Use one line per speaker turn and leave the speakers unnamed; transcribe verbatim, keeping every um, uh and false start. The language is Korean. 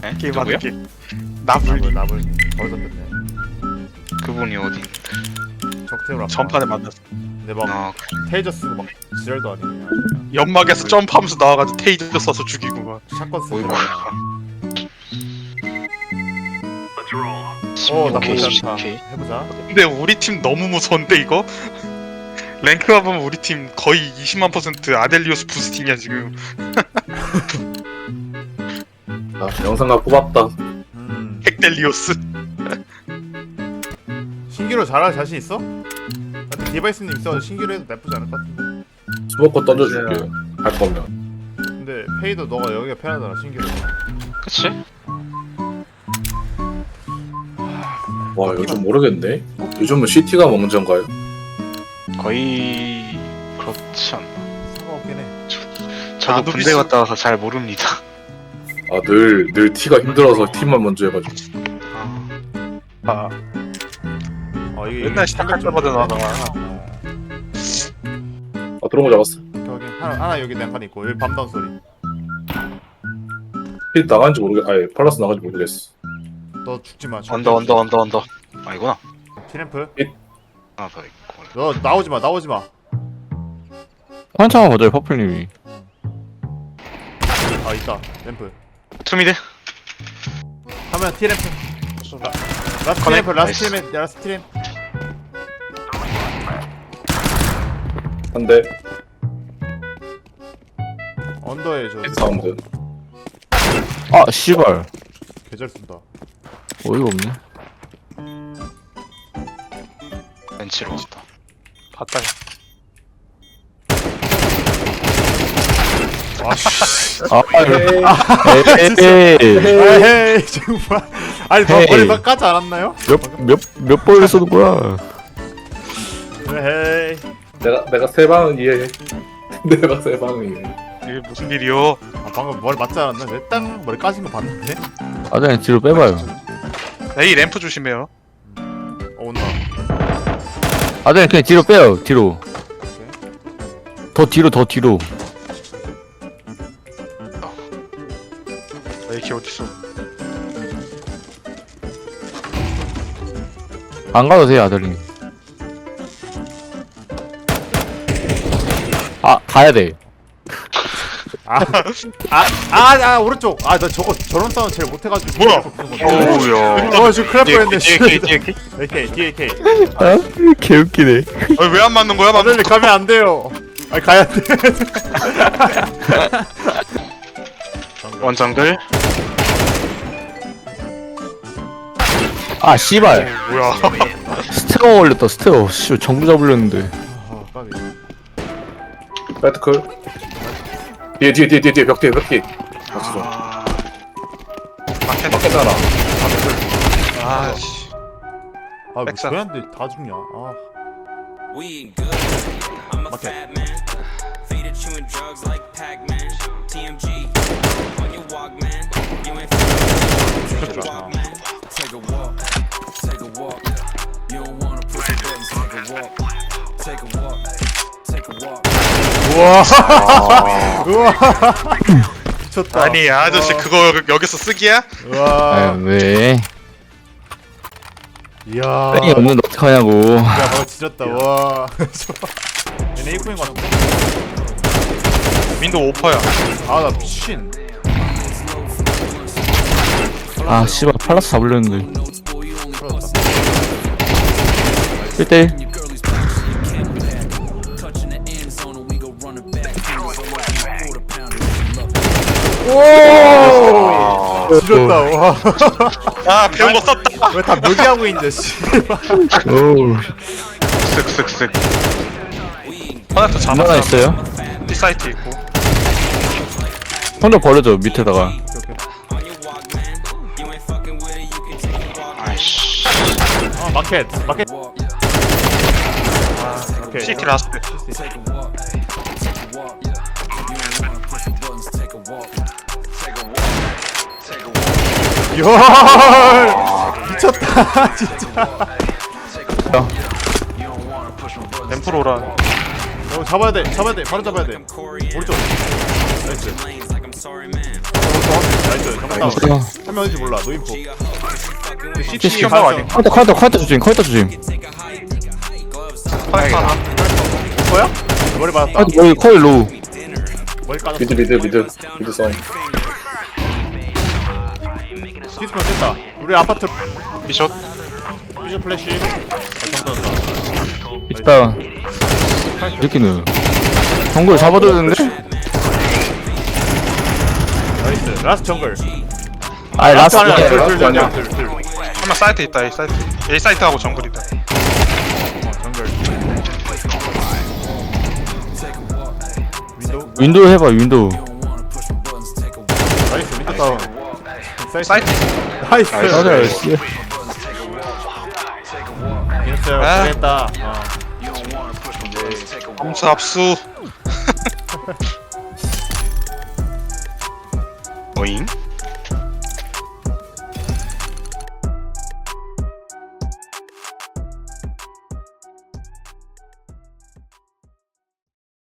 에?
게임하는
누구요?
게 나불
나불 거기서 뺐네.
그분이 어디?
적팀으로 아까.
전판에 만났어.
근데 막
아
테이저 쓰고 막 지랄도 아니고 그냥
연막에서 점프하면서 나와가지고 테이저 쏴서 죽이고 막.
샷건 쓰고.
어이구.
어 나쁘지
오케이,
않다.
오케이.
해보자.
근데 우리 팀 너무 무서운데 이거? 랭크가 보면 우리 팀 거의 이십만 퍼센트 아델리오스 부스팅이야 지금.
아, 영상각 뽑았다.
음.
핵델리오스.
신기로 잘할 자신 있어? 나한테 디바이스님 있어가지고 신기로 해도 나쁘지 않을 것 같은데.
수복권 던져줄게. 할 거면.
근데 페이도 너가 여기가 편하잖아 신기로.
그치?
와, 요즘 모르겠네. 요즘은 시티가 먼저인가요?
거의 그렇지 않나.
상관없긴 해.
저도
나도
군대
비슷-
갔다 와서 잘 모릅니다.
아, 늘, 늘 티가 힘들어서 팀만 먼저 해가지고.
아
어 이게
맨날 시작할 때마다 나와.
아, 들어온 거 잡았어.
여기 하나 하나 여기 난간 있고 여기 밤다운 소리.
피 나간지 모르겠, 아예 팔라스 나간지 모르겠어.
너 죽지 마.
언더 언더 언더 언더. 아니구나.
티램프.
하나 더 있고.
너 나오지 마 나오지 마.
한참만 봐줘요 퍼플님이.
아 있다 램프.
투미드.
하면 티램프. 라, 라스트
커넥.
티램프 라스트
나이스.
티램 라스트 티램.
한 대,
언더에 저
사운드.
아 씨발
계절 쓴다.
어이가 없네.
벤치로 왔다.
봤다.
아씨.
아 에이
에이 정말. 아니 너
헤이.
머리 막 까지 않았나요?
몇몇몇 번을 쏘는 거야.
에이.
내가, 내가 세 방은 이해해. 내가 세 방은 이해해.
이게 무슨 일이요?
아, 방금 머리 맞지 않았나? 내 땅 머리 까진 거 봤는데?
아장님 뒤로 빼봐요.
에이 램프 조심해요.
어 온다.
아장님 그냥 뒤로 빼요. 뒤로. 더 뒤로 더 뒤로.
에이키 어딨어?
안 가도 돼요 아들님. 아 가야 돼.
아, 아, 아, 아 오른쪽. 아, 나 저거 저런 싸움 제일 못해가지고.
뭐야?
오우야.
어, 지금 큰일 날 뻔했네. 씨.
뒤에 뒤에 뒤에.
에이케이, 뒤에 에이케이.
아 개웃기네.
왜 안 맞는 거야?
아들리 가면 안 돼요. 아, 가야 돼.
원정글.
아 씨발
뭐야?
스테어 걸렸다 스테어. 씨 전부 잡으려는데.
아, 까비.
배트클. 뒤에, 뒤에, 뒤에, 뒤에, 뒤에, 벽 뒤에, 벽 뒤에. 맞춰.
아 마켓
맞겠잖아.
아씨.
아, 뭐
백사.
저한테 다 죽냐? 아,
We ain't good. I'm a
Okay.
fat man. Faded chewing drugs like Pac-Man. T M G on your Walkman. You ain't take a walk, man. Take a walk. Take a walk. You don't wanna push the buttons. Take a walk. Take a walk. Take a walk.
우와, 우와, 미쳤다.
아니 아저씨
우와.
그거 여기서 쓰기야?
우와,
아 왜?
이야.
땡이 없는데 어떡하냐고.
야, 방금 지렸다. 와. 얘네 일꾼인 것 같은데?
윈도우 오퍼야.
아, 나 미친.
아 씨발 팔라스 잡으려는데.
풀어졌다.
일 대 일.
Touching the end zone and we go running back. Quarter pounder.
오! 지렸다. 와.
아 배운 거 썼다.
왜 다 묘기하고 있는데, 씨.
오우.
쓱쓱쓱.
하나 더
하나
잡았어.
있어요?
이 사이트 있고.
혼자 버려줘 밑에다가.
On your Walkman. You ain't fucking with it. You can take a walk.
아이씨.
어, 마켓. 마켓.
Walk.
오케이.
시티 라스트.
Take a walk. Take a walk. You don't wanna push the buttons. Take a walk. Take a walk. Take a walk.
열! 미쳤다, 진짜.
You don't wanna push the buttons.
램프로 오라.
어, 잡아야 돼, 잡아야 돼, 바로 잡아야 돼.
Corey
오른쪽. 나이스.
lanes like I'm sorry, man.
나이스, 잡았다. 다운.
아,
한 명 어딘지 몰라. 노인포.
시티
시티
봐 아니
카운터 카운터 카운터 조심 카운터 조심.
파이터 하나
뭐야? 머리 맞았다.
카운터 머리 커일 로우.
머리 까졌어.
미드 미드 미드 미드 싸움.
시스템 됐다. 우리 아파트
미션
비전 플래시. 아, 정답다.
있다. 이렇게는 정글 잡아줘야 되는데?
나이스. 라스트 정글.
아 라스트
아니야.
아니야.
둘,
라스트
둘,
아니야.
둘, 둘, 둘.
한명 사이트 있다 A 사이트 A 사이트하고 정글이다
어, 정글. 윈도우.
윈도우 해봐 윈도우.
나이스. 윈도우 다운.
사이트
나이스.
맞아 씨.
이랬어요.
아.
잘했다. 어.
검수 압수
오잉?